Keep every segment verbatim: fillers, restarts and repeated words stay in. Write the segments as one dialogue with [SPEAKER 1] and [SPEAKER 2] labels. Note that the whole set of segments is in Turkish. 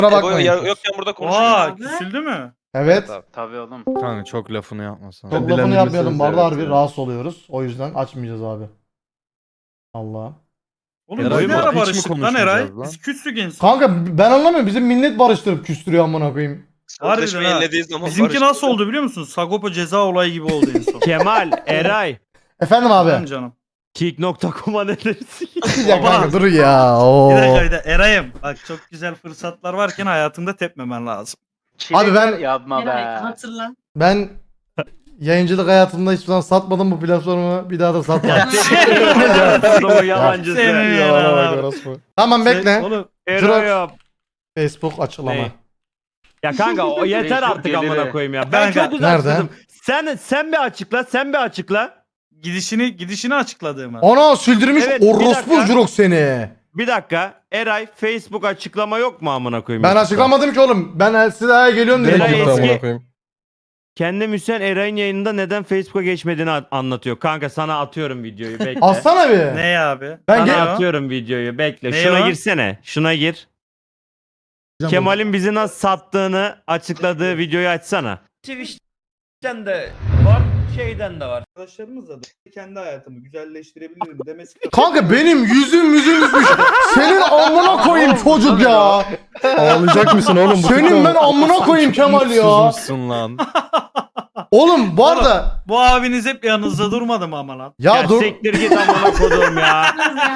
[SPEAKER 1] Kusura
[SPEAKER 2] Ebo
[SPEAKER 1] bakmayın.
[SPEAKER 2] ya, yokken burada konuşuyor.
[SPEAKER 3] Aa küsüldü mü?
[SPEAKER 1] Evet.
[SPEAKER 2] Abi.
[SPEAKER 4] Tabii oğlum.
[SPEAKER 5] Kanka çok lafını yapmasan.
[SPEAKER 1] Çok lafını yapmayalım. Bu arada harbi rahatsız oluyoruz. O yüzden açmayacağız abi. Allah.
[SPEAKER 3] Oğlum
[SPEAKER 5] Eray
[SPEAKER 3] biz ne
[SPEAKER 5] bu-
[SPEAKER 3] ara
[SPEAKER 5] hiç mi
[SPEAKER 3] barıştık lan Eray?
[SPEAKER 5] konuşmayacağız lan?
[SPEAKER 3] Biz küslük en son.
[SPEAKER 1] Kanka ben anlamıyorum. Bizim millet barıştırıp küstürüyor amına koyayım.
[SPEAKER 3] Harbiden
[SPEAKER 2] Sözleşme
[SPEAKER 3] ha.
[SPEAKER 2] yenilediği zaman
[SPEAKER 3] Bizimki
[SPEAKER 2] barıştık.
[SPEAKER 3] nasıl oldu biliyor musun? Sagopa ceza olayı gibi oldu en son.
[SPEAKER 6] Kemal, Eray,
[SPEAKER 1] Efendim
[SPEAKER 3] Tamam
[SPEAKER 1] abi.
[SPEAKER 3] canım.
[SPEAKER 6] kick nokta com'a ne dersin?
[SPEAKER 1] Ya kanka dur ya. Oo.
[SPEAKER 3] Bir dakika bir dakika. Eray'ım bak çok güzel fırsatlar varken hayatında tepmemen lazım.
[SPEAKER 1] Abi ben-
[SPEAKER 4] Yapma
[SPEAKER 7] Eray
[SPEAKER 4] be.
[SPEAKER 7] hatırla.
[SPEAKER 1] Ben yayıncılık hayatımda hiçbir zaman satmadım bu platformu. Bir daha da satmam.
[SPEAKER 6] Adamı yalancısı.
[SPEAKER 3] Senin
[SPEAKER 1] Yalana
[SPEAKER 3] ya.
[SPEAKER 1] bak orospu. Tamam bekle.
[SPEAKER 3] Oğlum
[SPEAKER 6] Eray yap.
[SPEAKER 1] Facebook açıklama.
[SPEAKER 6] Ne? Ya kanka o yeter
[SPEAKER 4] Facebook
[SPEAKER 6] artık amına
[SPEAKER 4] geliri.
[SPEAKER 6] koyayım ya. Ben
[SPEAKER 3] Kanka,
[SPEAKER 6] çok uzaksızım.
[SPEAKER 1] nerede?
[SPEAKER 6] Sen sen bir açıkla, sen bir açıkla.
[SPEAKER 3] gidişini gidişini açıkladığımı.
[SPEAKER 1] Ana süldürmüş
[SPEAKER 6] Evet, bir
[SPEAKER 1] orospu
[SPEAKER 6] dakika.
[SPEAKER 1] jurok seni.
[SPEAKER 6] Bir dakika. Eray Facebook açıklama yok mu amına koyayım?
[SPEAKER 1] Ben
[SPEAKER 6] YouTube'da?
[SPEAKER 1] açıklamadım ki oğlum. Ben size daha geliyorum dedim.
[SPEAKER 6] Eray
[SPEAKER 1] amına
[SPEAKER 6] eski-
[SPEAKER 1] koyayım.
[SPEAKER 6] Kendi Müsen Eray'ın yayınında neden Facebook'a geçmediğini a- anlatıyor. Kanka sana atıyorum videoyu bekle.
[SPEAKER 1] Atsana bir.
[SPEAKER 3] Ne abi?
[SPEAKER 1] Ben
[SPEAKER 6] Sana
[SPEAKER 1] gel-
[SPEAKER 6] atıyorum videoyu bekle.
[SPEAKER 3] Ne
[SPEAKER 6] Şuna
[SPEAKER 3] o?
[SPEAKER 6] girsene. Şuna gir. Kemal'in bizi nasıl sattığını açıkladığı videoyu açsana. Twitch'ten de var, şeyden de var.
[SPEAKER 3] Arkadaşlarımızla da kendi hayatımı güzelleştirebilirim demesi.
[SPEAKER 1] Kanka benim yüzüm yüzüm üzmüş. Senin amına koyayım çocuk ya.
[SPEAKER 5] Ağlayacak mısın oğlum?
[SPEAKER 1] Senin ben amına koyayım Kemal ya.
[SPEAKER 5] Susmuşsun lan.
[SPEAKER 1] Oğlum bu arada
[SPEAKER 3] Bu abiniz hep yanınızda durmadı mı ama lan?
[SPEAKER 1] ya,
[SPEAKER 6] Ya,
[SPEAKER 1] dur
[SPEAKER 6] siktir git amına kodum ya.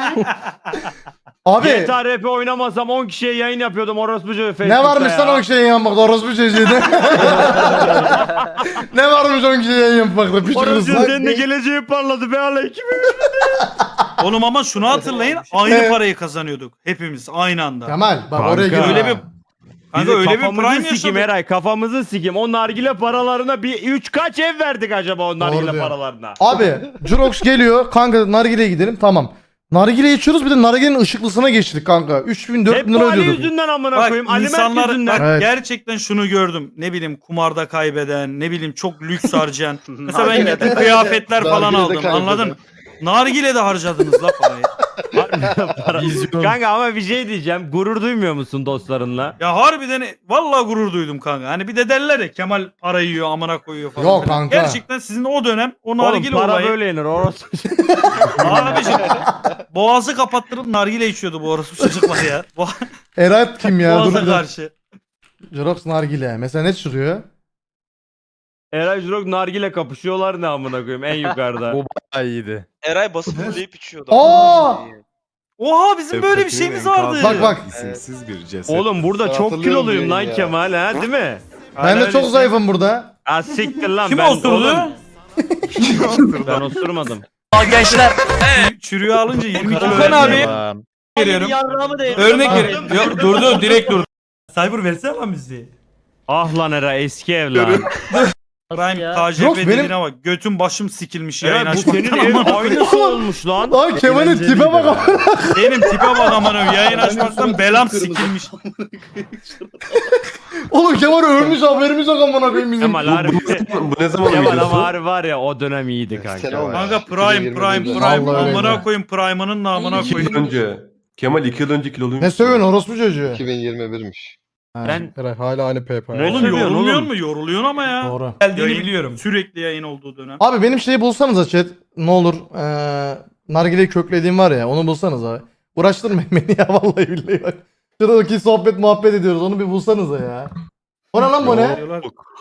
[SPEAKER 1] abi
[SPEAKER 6] G T A R P oynamasam on kişiye yayın yapıyordum orospucu Facebook'ta
[SPEAKER 1] ne varmış
[SPEAKER 6] ya.
[SPEAKER 1] lan on kişiye yayın yapmakta orospu çocuğu. Ne varmış on kişiye yayın yapmakta piç
[SPEAKER 6] Orospu
[SPEAKER 1] kızı.
[SPEAKER 6] senin de geleceği parladı be aleyküm.
[SPEAKER 3] Oğlum ama şunu hatırlayın aynı parayı kazanıyorduk hepimiz aynı anda.
[SPEAKER 1] Kemal bak
[SPEAKER 6] Kanka.
[SPEAKER 1] oraya gir.
[SPEAKER 3] Öyle bir Kanka
[SPEAKER 6] Bizi
[SPEAKER 3] öyle bir
[SPEAKER 6] kafamızı
[SPEAKER 3] prime
[SPEAKER 6] sikim
[SPEAKER 3] yaşadık.
[SPEAKER 6] Eray kafamızı sikim. O nargile paralarına bir üç kaç ev verdik acaba o nargile
[SPEAKER 1] diyor.
[SPEAKER 6] paralarına?
[SPEAKER 1] Abi Jurox geliyor kanka nargileye gidelim tamam. Nargile içiyoruz bir de nargilenin ışıklısına geçtik kanka. üç bin dört
[SPEAKER 6] Hep
[SPEAKER 1] bin
[SPEAKER 6] bu
[SPEAKER 1] lira
[SPEAKER 6] Ali
[SPEAKER 1] ödüyorduk.
[SPEAKER 6] yüzünden amına
[SPEAKER 3] Bak
[SPEAKER 6] koyayım. Ali Mert
[SPEAKER 3] insanlar
[SPEAKER 6] yüzünden.
[SPEAKER 3] bak
[SPEAKER 1] Evet.
[SPEAKER 3] gerçekten şunu gördüm. Ne bileyim kumarda kaybeden, ne bileyim çok lüks harcayan. Mesela ben
[SPEAKER 4] Nargile'de
[SPEAKER 3] gittim
[SPEAKER 4] kaybeden.
[SPEAKER 3] kıyafetler falan
[SPEAKER 8] Nargile'de
[SPEAKER 3] aldım.
[SPEAKER 8] kaybeden.
[SPEAKER 3] Anladın? Nargile'de harcadınız la parayı.
[SPEAKER 6] Para-
[SPEAKER 5] Vizyon.
[SPEAKER 6] Kanka ama bir şey diyeceğim. Gurur duymuyor musun dostlarınla?
[SPEAKER 3] Ya harbiden vallahi gurur duydum kanka. Hani bir de derler ya Kemal para yiyor, amına koyuyor falan.
[SPEAKER 1] Yok
[SPEAKER 3] filan.
[SPEAKER 1] kanka.
[SPEAKER 3] Gerçekten sizin o dönem o
[SPEAKER 6] Oğlum
[SPEAKER 3] nargile
[SPEAKER 6] para
[SPEAKER 3] olayı.
[SPEAKER 6] böyle yenir orospu.
[SPEAKER 3] Abiciğim boğazı kapattırıp nargile içiyordu bu orası çocuklar ya. Bo
[SPEAKER 1] Erat kim ya? Dur
[SPEAKER 3] Boğaza
[SPEAKER 1] bir dakika.
[SPEAKER 3] karşı.
[SPEAKER 1] Jurox nargile. Mesela ne sürüyor?
[SPEAKER 6] Eray Jurok nargile kapışıyorlar ne amına koyayım en yukarıda.
[SPEAKER 5] Bu bayağı iyiydi.
[SPEAKER 2] Eray basıp üfleyip içiyordu.
[SPEAKER 1] Aa!
[SPEAKER 3] Oha bizim böyle bir şeyimiz vardı.
[SPEAKER 1] Bak bak.
[SPEAKER 8] İsimsiz bir ceset.
[SPEAKER 6] Oğlum burada
[SPEAKER 8] Ben
[SPEAKER 6] çok
[SPEAKER 8] hatırlıyorum
[SPEAKER 6] kiloluyum lan
[SPEAKER 8] ya.
[SPEAKER 6] Kemal ha değil mi?
[SPEAKER 1] Ben de çok zayıfım burada.
[SPEAKER 6] Ha siktir lan
[SPEAKER 3] Kim
[SPEAKER 6] ben
[SPEAKER 3] osurdu?
[SPEAKER 6] oğlum, ben osurmadım.
[SPEAKER 3] Çü- Çürüğü alınca yirmi kilo
[SPEAKER 9] Okan abi.
[SPEAKER 5] Lan.
[SPEAKER 9] veriyorum. Örnek veriyorum. Yok durdu direkt durdu. Cyber versene lan bizi.
[SPEAKER 6] Ah lan Eray eski ev lan.
[SPEAKER 3] Prime
[SPEAKER 7] Ya.
[SPEAKER 3] K J
[SPEAKER 1] Yok,
[SPEAKER 3] P
[SPEAKER 1] benim-
[SPEAKER 3] dediğine bak. Götüm başım sikilmiş yayın
[SPEAKER 6] Eray bu senin
[SPEAKER 3] açmaktan.
[SPEAKER 6] ev
[SPEAKER 3] amına koyayım.
[SPEAKER 6] aynısı olmuş lan.
[SPEAKER 1] Lan Kemal'in tipe bak.
[SPEAKER 3] Benim tipe bak aman öyle. Yayın açmaktan belam sikilmiş.
[SPEAKER 1] Oğlum Kemal ölmüş haberimiz yok amına koyayım bizim.
[SPEAKER 6] Kemal harbi.
[SPEAKER 8] Bu ne zaman
[SPEAKER 6] Kemal
[SPEAKER 8] videosu?
[SPEAKER 6] ama harbi var ya o dönem iyiydi
[SPEAKER 8] Sene
[SPEAKER 6] kanka.
[SPEAKER 8] olmuş.
[SPEAKER 3] Kanka Prime Prime Prime.
[SPEAKER 1] Vallahi öyle.
[SPEAKER 3] Amına koyayım Prime'ının namına
[SPEAKER 8] İki yıl
[SPEAKER 3] koyayım.
[SPEAKER 8] önce. Kemal iki yıl önce kiloluymuş.
[SPEAKER 1] Ne sövüyorsun orospu çocuğu?
[SPEAKER 8] iki bin yirmi birmiş.
[SPEAKER 6] Ben-
[SPEAKER 1] Ben hala aynı P P.
[SPEAKER 6] Ne
[SPEAKER 3] Oğlum
[SPEAKER 6] sövüyorsun
[SPEAKER 3] yorulmuyor
[SPEAKER 6] oğlum?
[SPEAKER 3] mu? Yoruluyorsun ama ya.
[SPEAKER 1] Doğru.
[SPEAKER 9] Geldiğini
[SPEAKER 3] Yayın-
[SPEAKER 9] biliyorum.
[SPEAKER 3] Sürekli yayın olduğu dönem.
[SPEAKER 1] Abi benim şeyi bulsanıza chat. Ne olur. Ee, nargileyi köklediğim var ya onu bulsanız abi. Uğraştırmayın beni ya vallahi billahi bak. Şuradaki sohbet muhabbet ediyoruz onu bir bulsanıza ya. O ne lan bu ne?
[SPEAKER 3] Diyorlar.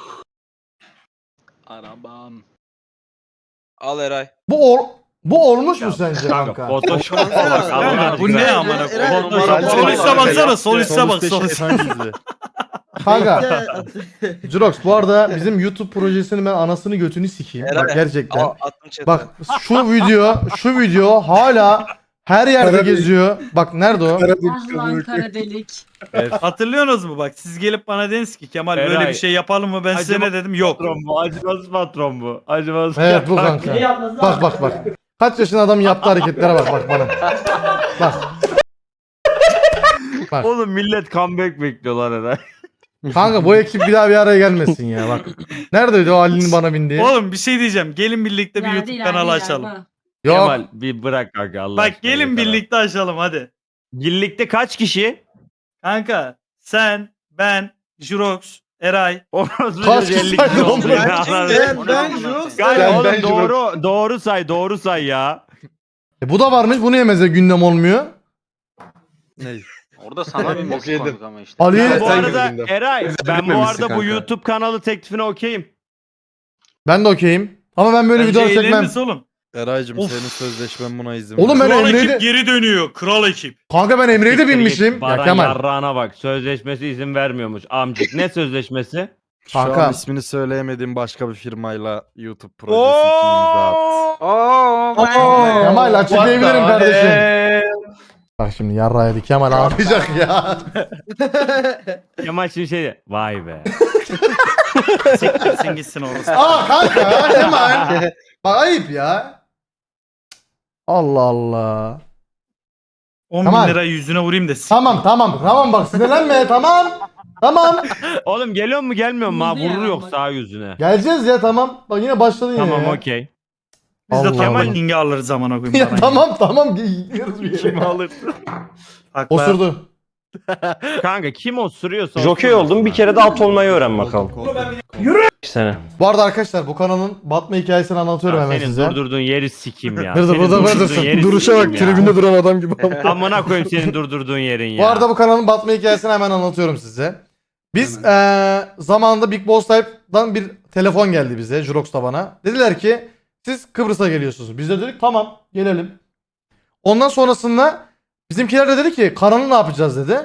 [SPEAKER 4] Arabam.
[SPEAKER 2] Al Eray.
[SPEAKER 1] Bu or bu olmuş mu sence
[SPEAKER 6] Kanka
[SPEAKER 1] kanka?
[SPEAKER 6] Photoshop bak Allah
[SPEAKER 3] Kanka bu ne
[SPEAKER 6] aşkına.
[SPEAKER 3] amına
[SPEAKER 7] Eray,
[SPEAKER 3] koyayım?
[SPEAKER 7] Eray,
[SPEAKER 3] Sol üstte
[SPEAKER 7] Eray,
[SPEAKER 3] baksana sol üstte bak
[SPEAKER 5] Sol
[SPEAKER 3] sol
[SPEAKER 5] üstte
[SPEAKER 3] üstte.
[SPEAKER 5] şeytan gizli.
[SPEAKER 1] Kanka Jurox bu arada bizim YouTube projesinin ben anasını götünü sikeyim. Bak
[SPEAKER 2] Eray,
[SPEAKER 1] gerçekten.
[SPEAKER 2] Al attım chat'e.
[SPEAKER 1] Bak şu video şu video hala her yerde geziyor. Bak nerede o?
[SPEAKER 7] Ah lan kara delik.
[SPEAKER 3] Hatırlıyorsunuz mu bak siz gelip bana dediniz ki Kemal böyle
[SPEAKER 6] Eray.
[SPEAKER 3] bir şey yapalım mı ben size
[SPEAKER 6] Acaba-
[SPEAKER 3] ne dedim yok.
[SPEAKER 6] Patron bu acımasız patron bu. Acımasız.
[SPEAKER 1] Evet bu kanka. Bak bak bak. Kaç yaşında adam yaptığı hareketlere bak bak bana. Bak. Bak.
[SPEAKER 6] Oğlum millet comeback bekliyorlar Eray.
[SPEAKER 1] Kanka bu ekip bir daha bir araya gelmesin ya bak. Neredeydi o Ali'nin bana bindiği?
[SPEAKER 3] Oğlum bir şey diyeceğim gelin birlikte bir
[SPEAKER 7] İleride,
[SPEAKER 3] YouTube
[SPEAKER 7] ileride,
[SPEAKER 3] kanalı
[SPEAKER 7] ileride.
[SPEAKER 3] açalım.
[SPEAKER 1] Yok.
[SPEAKER 6] Kemal bir bırak kanka Allah
[SPEAKER 3] Bak
[SPEAKER 6] aşkına
[SPEAKER 3] gelin
[SPEAKER 6] yeter
[SPEAKER 3] birlikte açalım hadi.
[SPEAKER 6] abi. Birlikte kaç kişi?
[SPEAKER 3] Kanka sen ben, Jirox, Eray.
[SPEAKER 6] Orası
[SPEAKER 1] Kaç
[SPEAKER 6] elli
[SPEAKER 1] kişi
[SPEAKER 6] kişi
[SPEAKER 1] saydı
[SPEAKER 6] oldu
[SPEAKER 1] oğlum?
[SPEAKER 6] ya.
[SPEAKER 2] Ben-
[SPEAKER 4] ben Jirox.
[SPEAKER 6] Kanka
[SPEAKER 8] Ben-
[SPEAKER 6] oğlum
[SPEAKER 8] ben
[SPEAKER 6] doğru doğru say doğru say ya.
[SPEAKER 1] E bu da varmış. Bu niye mesela gündem olmuyor?
[SPEAKER 5] Ne?
[SPEAKER 4] Orada sana bir
[SPEAKER 8] Okey
[SPEAKER 4] mesaj
[SPEAKER 8] de-
[SPEAKER 4] koyduk ama işte.
[SPEAKER 1] Ali
[SPEAKER 6] Ben bu
[SPEAKER 8] sen
[SPEAKER 6] arada
[SPEAKER 8] gündem.
[SPEAKER 6] Eray ben bu
[SPEAKER 8] Bitmemişsin
[SPEAKER 6] arada bu
[SPEAKER 8] kanka.
[SPEAKER 6] YouTube kanalı teklifine okeyim.
[SPEAKER 1] ben de okeyim. Ama ben böyle
[SPEAKER 3] Bence
[SPEAKER 1] video çekmem.
[SPEAKER 3] eğleniriz oğlum.
[SPEAKER 5] Eraycım
[SPEAKER 3] Of.
[SPEAKER 5] senin sözleşmen buna izin
[SPEAKER 1] Oğlum ben
[SPEAKER 5] ver.
[SPEAKER 3] Kral
[SPEAKER 1] Emre'yi
[SPEAKER 3] ekip
[SPEAKER 1] de...
[SPEAKER 3] geri dönüyor. Kral ekip.
[SPEAKER 1] Kanka ben Emre'yi de
[SPEAKER 6] Siktir git,
[SPEAKER 1] binmişim. Ya
[SPEAKER 6] Baran
[SPEAKER 1] Kemal.
[SPEAKER 6] yarrağına bak. Sözleşmesi izin vermiyormuş amcık. Ne sözleşmesi?
[SPEAKER 5] Şu
[SPEAKER 1] Kanka.
[SPEAKER 5] an ismini söyleyemediğim başka bir firmayla YouTube projesi için imza at.
[SPEAKER 4] Oo,
[SPEAKER 1] Kemal açıklayabilirim kardeşim. Bak şimdi yarrağı yedik. Kemal ağlayacak ya.
[SPEAKER 6] Kemal şimdi şey vay be.
[SPEAKER 3] Siktirsin gitsin orası.
[SPEAKER 1] Aa kanka Kemal. Bak ayıp ya. Allah Allah.
[SPEAKER 3] on
[SPEAKER 1] Tamam.
[SPEAKER 3] bin lira yüzüne vurayım da. sik-
[SPEAKER 1] Tamam tamam tamam bak sinirlenme tamam. Tamam.
[SPEAKER 6] Oğlum geliyor mu gelmiyor mu? Ha, vurur yok sağ yüzüne.
[SPEAKER 1] Geleceğiz ya tamam. Bak yine başladın yine
[SPEAKER 6] Tamam
[SPEAKER 1] ya.
[SPEAKER 6] okey.
[SPEAKER 3] Biz de
[SPEAKER 1] Allah
[SPEAKER 3] Kemal
[SPEAKER 1] Allah.
[SPEAKER 3] King'i alırız zaman o gün.
[SPEAKER 1] Ya
[SPEAKER 3] Baran
[SPEAKER 1] tamam tamam gidiyoruz bir yere.
[SPEAKER 6] Kim alır?
[SPEAKER 3] Haklı.
[SPEAKER 1] Osurdu.
[SPEAKER 6] Kanka kim osuruyorsa
[SPEAKER 7] Jokey
[SPEAKER 6] osursun
[SPEAKER 7] oldum bir
[SPEAKER 6] ha.
[SPEAKER 7] kere de at olmayı öğren bakalım. Sene.
[SPEAKER 1] Bu arada arkadaşlar bu kanalın batma hikayesini anlatıyorum
[SPEAKER 6] Ya
[SPEAKER 1] hemen
[SPEAKER 6] senin
[SPEAKER 1] size.
[SPEAKER 6] durdurduğun yeri sikim ya.
[SPEAKER 1] Dur, dur,
[SPEAKER 6] Senin
[SPEAKER 1] burada,
[SPEAKER 6] durdurduğun
[SPEAKER 1] buradasın.
[SPEAKER 6] yeri
[SPEAKER 5] Duruşa
[SPEAKER 6] sikeyim
[SPEAKER 5] bak
[SPEAKER 6] ya.
[SPEAKER 5] tribünde duran adam gibi.
[SPEAKER 6] Amına koyayım senin durdurduğun yerin ya.
[SPEAKER 1] Bu arada bu kanalın batma hikayesini hemen anlatıyorum size. Biz eee zamanında Big Boss Type'dan bir telefon geldi bize, Jurox'ta bana. Dediler ki siz Kıbrıs'a geliyorsunuz. Biz de dedik tamam gelelim. Ondan sonrasında bizimkiler de dedi ki kanalı ne yapacağız dedi.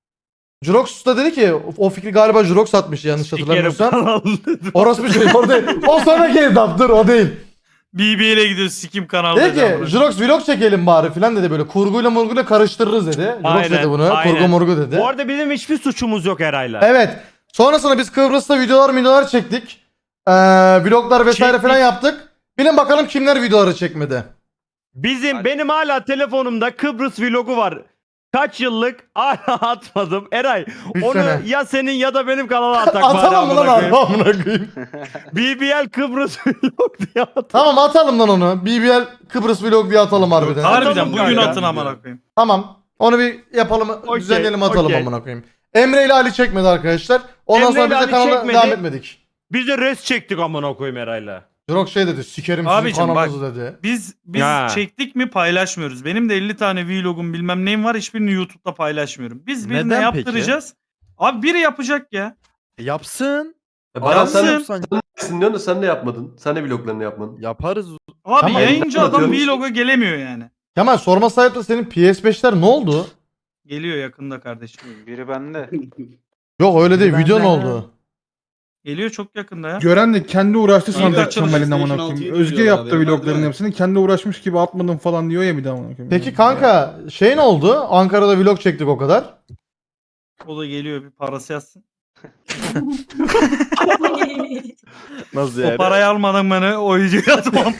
[SPEAKER 1] Jurox da dedi ki o fikri galiba Jurox atmış yanlış
[SPEAKER 6] Sikerim
[SPEAKER 1] hatırlamıyorsam.
[SPEAKER 6] kanalı.
[SPEAKER 1] Orası bir şey o değil. O sonraki etaptır o değil.
[SPEAKER 3] B B L'e gidiyoruz sikim kanalı.
[SPEAKER 1] Dedi ki Jurox vlog çekelim bari filan dedi böyle kurguyla murguyla karıştırırız dedi. Jurox
[SPEAKER 6] Aynen,
[SPEAKER 1] dedi bunu
[SPEAKER 6] aynen.
[SPEAKER 1] kurgu murgu dedi.
[SPEAKER 6] Bu arada bizim hiçbir suçumuz yok Eray'la.
[SPEAKER 1] Evet. Sonrasında biz Kıbrıs'ta videolar videolar çektik. Ee, vloglar vesaire
[SPEAKER 6] Çektik.
[SPEAKER 1] falan yaptık. Bilin bakalım kimler videoları çekmedi.
[SPEAKER 6] Bizim benim hala telefonumda Kıbrıs vlogu var. Kaç yıllık hala atmadım. Eray
[SPEAKER 1] Üç
[SPEAKER 6] onu
[SPEAKER 1] sene.
[SPEAKER 6] ya senin ya da benim kanala atak bari
[SPEAKER 1] Atalım mı lan
[SPEAKER 6] amına koyayım.
[SPEAKER 1] abi amına koyayım.
[SPEAKER 6] B B L Kıbrıs vlog diye at.
[SPEAKER 1] Tamam atalım lan onu. B B L Kıbrıs vlog diye atalım harbiden.
[SPEAKER 3] Harbiden
[SPEAKER 6] Atalım
[SPEAKER 3] bugün
[SPEAKER 6] kanka.
[SPEAKER 3] atın amına koyayım.
[SPEAKER 1] Tamam. Onu bir yapalım,
[SPEAKER 6] Okey,
[SPEAKER 1] düzenleyelim atalım
[SPEAKER 6] okey.
[SPEAKER 1] amına koyayım. Emre ile Ali çekmedi arkadaşlar. Ondan
[SPEAKER 6] Emre
[SPEAKER 1] sonra
[SPEAKER 6] ile
[SPEAKER 1] biz de
[SPEAKER 6] Ali
[SPEAKER 1] kanala
[SPEAKER 6] çekmedi.
[SPEAKER 1] devam etmedik.
[SPEAKER 6] Biz de res çektik amına koyayım Eray'la.
[SPEAKER 1] Jurox şey dedi, sikerim
[SPEAKER 3] Abicim
[SPEAKER 1] sizin
[SPEAKER 3] bak.
[SPEAKER 1] kanalınızı dedi.
[SPEAKER 3] Biz biz
[SPEAKER 6] Ha.
[SPEAKER 3] çektik mi paylaşmıyoruz. Benim de elli tane vlogum bilmem neyim var, hiçbirini YouTube'da paylaşmıyorum. Biz birine
[SPEAKER 5] Neden peki?
[SPEAKER 3] yaptıracağız. Abi biri yapacak ya.
[SPEAKER 5] Yapsın.
[SPEAKER 8] E, Baran sen de
[SPEAKER 3] Yapsın.
[SPEAKER 5] Yapsan-
[SPEAKER 8] yapsın diyorsun da sen de yapmadın. Sen de vloglarını yapmadın.
[SPEAKER 5] Yaparız.
[SPEAKER 3] Abi
[SPEAKER 1] Tamam.
[SPEAKER 3] yayıncı adam
[SPEAKER 8] Yapıyoruz.
[SPEAKER 3] vloga gelemiyor yani.
[SPEAKER 1] Kemal sorma sahip de senin P S beşler ne oldu?
[SPEAKER 3] Geliyor yakında kardeşim.
[SPEAKER 4] Biri bende.
[SPEAKER 1] Yok öyle değil,
[SPEAKER 5] Ben
[SPEAKER 1] video
[SPEAKER 5] de-
[SPEAKER 1] ne oldu?
[SPEAKER 3] Geliyor çok yakında ya.
[SPEAKER 10] Gören de kendi uğraştı
[SPEAKER 3] İlk
[SPEAKER 10] sanacak
[SPEAKER 3] açılış
[SPEAKER 10] Kemal'in amına
[SPEAKER 4] PlayStation
[SPEAKER 10] koyayım.
[SPEAKER 4] altıyı
[SPEAKER 10] Özge
[SPEAKER 4] diyorlar
[SPEAKER 10] yaptı
[SPEAKER 4] abi,
[SPEAKER 10] vlogların
[SPEAKER 4] değil mi?
[SPEAKER 10] hepsini. Kendi uğraşmış gibi atmadım falan diyor ya bir de amına koyayım.
[SPEAKER 1] Peki kanka şey ne oldu? Ankara'da vlog çektik o kadar.
[SPEAKER 3] O da geliyor bir parası yazsın.
[SPEAKER 5] Nasıl
[SPEAKER 3] O
[SPEAKER 5] yani?
[SPEAKER 3] parayı almadan beni o videoya atmam.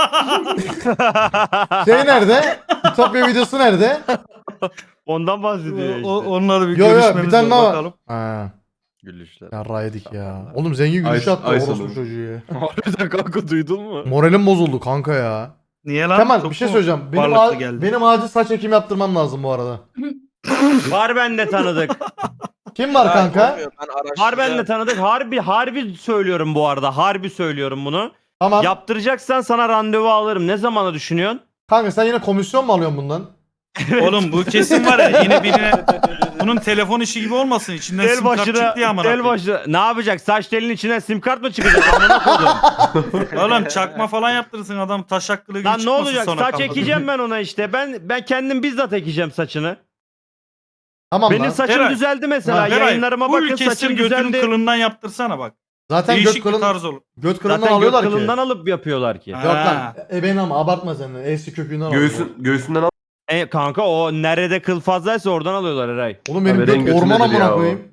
[SPEAKER 1] Şey nerede? Ütopya videosu nerede?
[SPEAKER 6] Ondan bahsediyor işte.
[SPEAKER 3] o, onları bir
[SPEAKER 1] Yo, yo,
[SPEAKER 3] görüşmemiz
[SPEAKER 1] bir tane
[SPEAKER 3] var
[SPEAKER 1] daha-
[SPEAKER 3] bakalım.
[SPEAKER 1] Ha.
[SPEAKER 5] Gülüşler.
[SPEAKER 1] Yarra yedik ya. Oğlum zengin gülüş
[SPEAKER 8] Ay-
[SPEAKER 1] attı
[SPEAKER 8] ay
[SPEAKER 1] orospu
[SPEAKER 8] sonu.
[SPEAKER 1] çocuğu ya.
[SPEAKER 5] Harbiden kanka duydun mu?
[SPEAKER 1] Moralim bozuldu kanka ya.
[SPEAKER 3] Niye lan?
[SPEAKER 1] Kemal
[SPEAKER 3] Çok
[SPEAKER 1] bir şey
[SPEAKER 3] mu
[SPEAKER 1] söyleyeceğim. Benim,
[SPEAKER 3] varlıklı
[SPEAKER 1] a-
[SPEAKER 3] geldi?
[SPEAKER 1] benim acil saç ekimi yaptırmam lazım bu arada.
[SPEAKER 6] Var bende tanıdık.
[SPEAKER 1] Kim var
[SPEAKER 2] Ya,
[SPEAKER 1] kanka?
[SPEAKER 2] olmuyor, Ben araştıracağım.
[SPEAKER 6] Var bende tanıdık. Harbi harbi söylüyorum bu arada. Harbi söylüyorum bunu.
[SPEAKER 1] Tamam.
[SPEAKER 6] Yaptıracaksan sana randevu alırım. Ne zamana düşünüyorsun?
[SPEAKER 1] Kanka sen yine komisyon mu alıyorsun bundan?
[SPEAKER 3] Oğlum bu kesin var ya yine birine bunun telefon işi gibi olmasın içinden
[SPEAKER 6] El
[SPEAKER 3] sim kart
[SPEAKER 6] başına,
[SPEAKER 3] çıktı ya amına
[SPEAKER 6] el
[SPEAKER 3] koyayım.
[SPEAKER 6] başına. Ne yapacak? Saç telinin içinden sim kart mı çıkacak? Amına koydum.
[SPEAKER 3] Oğlum çakma falan yaptırırsın adam taş hakkılı gibi
[SPEAKER 6] Lan ne
[SPEAKER 3] çıkmasın
[SPEAKER 6] olacak?
[SPEAKER 3] sonra
[SPEAKER 6] Saç
[SPEAKER 3] kafada.
[SPEAKER 6] ekeceğim ben ona işte. Ben ben kendim bizzat ekeceğim saçını.
[SPEAKER 1] Tamam
[SPEAKER 6] Benim
[SPEAKER 1] lan.
[SPEAKER 6] saçım
[SPEAKER 3] Eray.
[SPEAKER 6] düzeldi mesela.
[SPEAKER 3] Ha, Eray,
[SPEAKER 6] Yayınlarıma
[SPEAKER 3] full
[SPEAKER 6] bakın
[SPEAKER 3] kestir
[SPEAKER 6] saçım
[SPEAKER 3] götünün
[SPEAKER 6] düzeldi.
[SPEAKER 3] kılından yaptırsana bak.
[SPEAKER 1] Zaten göt
[SPEAKER 3] Değişik bir
[SPEAKER 1] kılın,
[SPEAKER 3] tarz olur.
[SPEAKER 1] göt kılından
[SPEAKER 6] Zaten göt
[SPEAKER 1] alıyorlar
[SPEAKER 6] kılından
[SPEAKER 1] ki.
[SPEAKER 6] alıp yapıyorlar ki.
[SPEAKER 3] Ha.
[SPEAKER 1] Yok lan. E ben ama abartma sen de. Eski kökünden alıyorlar.
[SPEAKER 8] Göğsün, göğsünden al.
[SPEAKER 6] E, kanka o nerede kıl fazlaysa oradan alıyorlar Eray.
[SPEAKER 1] Oğlum benim
[SPEAKER 8] Abi, renk
[SPEAKER 1] göt orman
[SPEAKER 8] götündedir
[SPEAKER 1] amına
[SPEAKER 8] ya o.
[SPEAKER 1] koyayım.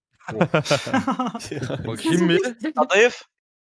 [SPEAKER 5] Bakayım bir.
[SPEAKER 2] Adayıf.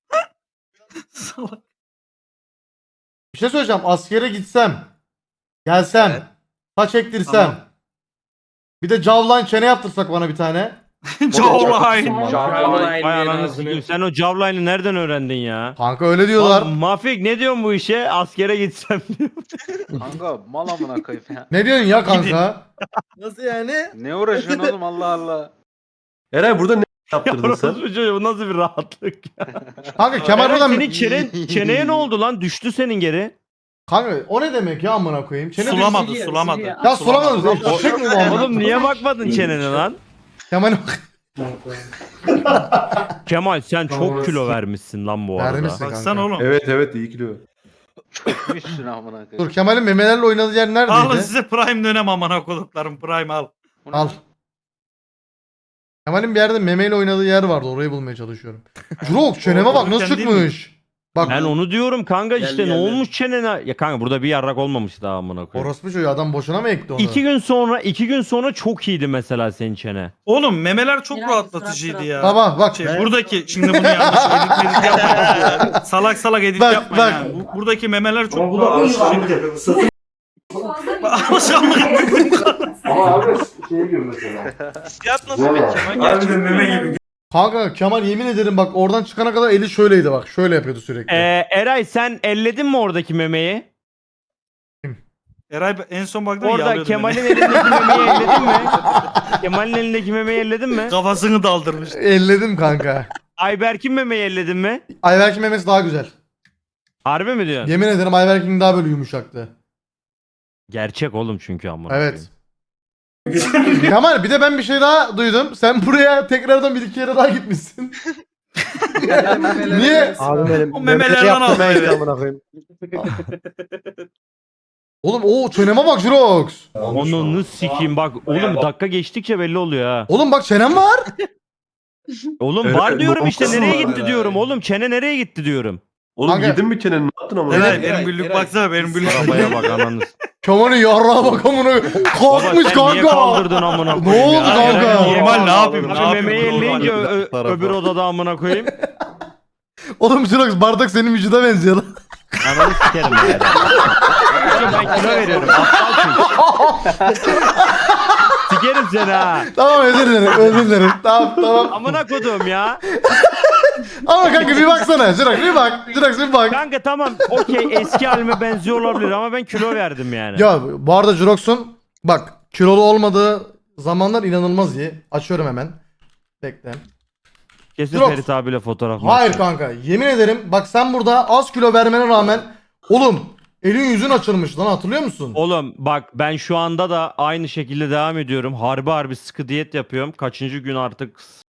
[SPEAKER 1] Bir şey söyleyeceğim. Askere gitsem. Gelsem.
[SPEAKER 2] Evet.
[SPEAKER 1] Saç ektirsem.
[SPEAKER 3] Tamam.
[SPEAKER 1] Bir de jawline çene yaptırsak bana bir tane.
[SPEAKER 3] Jawline.
[SPEAKER 6] Vay ananı sikeyim. Sen o jawline'ı nereden öğrendin ya?
[SPEAKER 1] Kanka öyle diyorlar.
[SPEAKER 6] Lan Mafik ne diyorsun bu işe? Askere gitsem diyor.
[SPEAKER 4] Kanka mal amına koyayım ya.
[SPEAKER 1] Ne diyorsun ya kanka?
[SPEAKER 4] Ne uğraşıyorsun oğlum Allah Allah.
[SPEAKER 8] Eray burada ne
[SPEAKER 6] Ya
[SPEAKER 8] yaptırdın sen?
[SPEAKER 6] orospu çocuğu, bu nasıl bir rahatlık ya.
[SPEAKER 1] Kanka Kemal
[SPEAKER 6] Eray,
[SPEAKER 1] buradan...
[SPEAKER 6] senin çenen, çeneye ne oldu lan? Düştü senin geri.
[SPEAKER 1] Kanka o ne demek ya amına koyayım? Çene
[SPEAKER 3] Sulamadı sulamadı.
[SPEAKER 1] Ya sulamadın. Eşek mi bu amına?
[SPEAKER 6] Oğlum niye bakmadın çenene lan?
[SPEAKER 1] Kemal
[SPEAKER 6] Kemal sen çok kilo vermişsin lan bu arada.
[SPEAKER 1] vermişsin
[SPEAKER 3] Baksana
[SPEAKER 1] kanka.
[SPEAKER 3] oğlum.
[SPEAKER 8] Evet evet iyi kilo.
[SPEAKER 4] Üstüne amına koyayım.
[SPEAKER 1] Dur Kemal'in memelerle oynadığı yer
[SPEAKER 3] Alın
[SPEAKER 1] neredeydi?
[SPEAKER 3] size prime dönem amına koduklarım prime al.
[SPEAKER 4] Bu ne
[SPEAKER 1] Al.
[SPEAKER 4] lan?
[SPEAKER 1] Kemal'in bir yerde memeyle oynadığı yer vardı. Orayı bulmaya çalışıyorum. Jurok çeneme bak nasıl
[SPEAKER 3] Korkurken değil mi?
[SPEAKER 1] çıkmış. Bak
[SPEAKER 6] Ben onu diyorum kanka
[SPEAKER 9] Geldi,
[SPEAKER 6] işte ne
[SPEAKER 9] geldi.
[SPEAKER 6] olmuş çenene? Ya kanka burada bir yarrak olmamış daha amına koyayım.
[SPEAKER 1] orospu çocuğu adam boşuna mı ekti onu?
[SPEAKER 6] İki gün sonra iki gün sonra çok iyiydi mesela senin çene.
[SPEAKER 3] Oğlum memeler çok
[SPEAKER 11] Biraz
[SPEAKER 3] rahatlatıcıydı
[SPEAKER 11] sıra
[SPEAKER 3] ya.
[SPEAKER 1] Baba bak.
[SPEAKER 3] Şey, buradaki şimdi bunu yanlış edit edit yapmayın. Salak salak edit
[SPEAKER 1] Bak,
[SPEAKER 3] yapmayın.
[SPEAKER 1] bak.
[SPEAKER 3] ha. Bu- Buradaki memeler çok rahatlatıcıydı.
[SPEAKER 2] Hissiyat nasıl peki Kemal? Gerçekten.
[SPEAKER 1] Kanka Kemal yemin ederim bak oradan çıkana kadar eli şöyleydi bak. Şöyle yapıyordu sürekli.
[SPEAKER 6] Ee, Eray sen elledin mi oradaki memeyi?
[SPEAKER 3] Eray en son baktığında
[SPEAKER 6] Orada
[SPEAKER 3] yalıyordum
[SPEAKER 6] Kemal'in
[SPEAKER 3] beni.
[SPEAKER 6] elindeki memeyi elledin mi? Kemal'in elindeki memeyi elledin mi?
[SPEAKER 3] Kafasını daldırmış.
[SPEAKER 1] Elledim kanka.
[SPEAKER 6] Ayberk'in memeyi elledin mi?
[SPEAKER 1] Ayberk'in memesi daha güzel.
[SPEAKER 6] Harbi mi diyorsun?
[SPEAKER 1] Yemin ederim Ayberk'in daha böyle yumuşaktı.
[SPEAKER 6] Gerçek oğlum çünkü amına.
[SPEAKER 1] Evet. Kemal bir de ben bir şey daha duydum. Sen buraya tekrardan bir iki kere daha gitmişsin. Niye?
[SPEAKER 4] Abi benim
[SPEAKER 3] O memelerden aldı evet.
[SPEAKER 1] Oğlum o çeneme bak Jirox.
[SPEAKER 6] Onu sikeyim bak oğlum dakika geçtikçe belli oluyor ha.
[SPEAKER 1] Oğlum bak çenem var.
[SPEAKER 6] Oğlum
[SPEAKER 8] Evet,
[SPEAKER 6] var diyorum işte
[SPEAKER 8] bombası
[SPEAKER 6] nereye
[SPEAKER 8] var
[SPEAKER 6] gitti diyorum oğlum çene nereye gitti diyorum.
[SPEAKER 8] Oğlum
[SPEAKER 1] Kanka-
[SPEAKER 8] yedin mi çeneni? Ne yaptın ama?
[SPEAKER 3] Eray
[SPEAKER 9] Evet,
[SPEAKER 3] benim
[SPEAKER 9] Eray,
[SPEAKER 3] güllük
[SPEAKER 9] Eray.
[SPEAKER 3] baksana benim güllük.
[SPEAKER 6] Arabaya bak ananız.
[SPEAKER 1] Kemal'in yarrağa bak amına.
[SPEAKER 6] Baba
[SPEAKER 1] Kalkmış
[SPEAKER 6] sen niye
[SPEAKER 1] kanka.
[SPEAKER 6] kaldırdın amına
[SPEAKER 1] Ne
[SPEAKER 6] koyayım
[SPEAKER 1] oldu
[SPEAKER 6] ya?
[SPEAKER 1] kanka?
[SPEAKER 6] Eray,
[SPEAKER 3] Normal ne yapayım? Ne
[SPEAKER 6] Abi
[SPEAKER 3] yapayım?
[SPEAKER 6] memeyi
[SPEAKER 3] Normal.
[SPEAKER 6] elleyince ö- ö-
[SPEAKER 5] Tarafa.
[SPEAKER 6] öbür odada amına koyayım.
[SPEAKER 1] Oğlum Jirox bardak senin vücuda benziyor lan.
[SPEAKER 6] Ananı sikerim ya. Oğlum ben kilo veriyorum. Aptal çünkü. Sikerim seni ha.
[SPEAKER 1] Tamam özür dilerim özür dilerim. Tamam tamam.
[SPEAKER 6] Amına kodum ya.
[SPEAKER 1] Ama kanka bir baksana Jirox bir bak. Jirox bir bak.
[SPEAKER 6] Kanka tamam okey eski halime benziyor olabilir ama ben kilo verdim yani.
[SPEAKER 1] Ya bu arada Jirox'un bak kilolu olmadığı zamanlar inanılmaz iyi. Açıyorum hemen. Bekle.
[SPEAKER 6] Kesin
[SPEAKER 1] Yok.
[SPEAKER 6] Ferit abiyle fotoğraf.
[SPEAKER 1] Hayır kanka yemin ederim bak sen burada az kilo vermene rağmen oğlum elin yüzün açılmış lan hatırlıyor musun?
[SPEAKER 6] Oğlum bak ben şu anda da aynı şekilde devam ediyorum. Harbi harbi sıkı diyet yapıyorum. Kaçıncı gün artık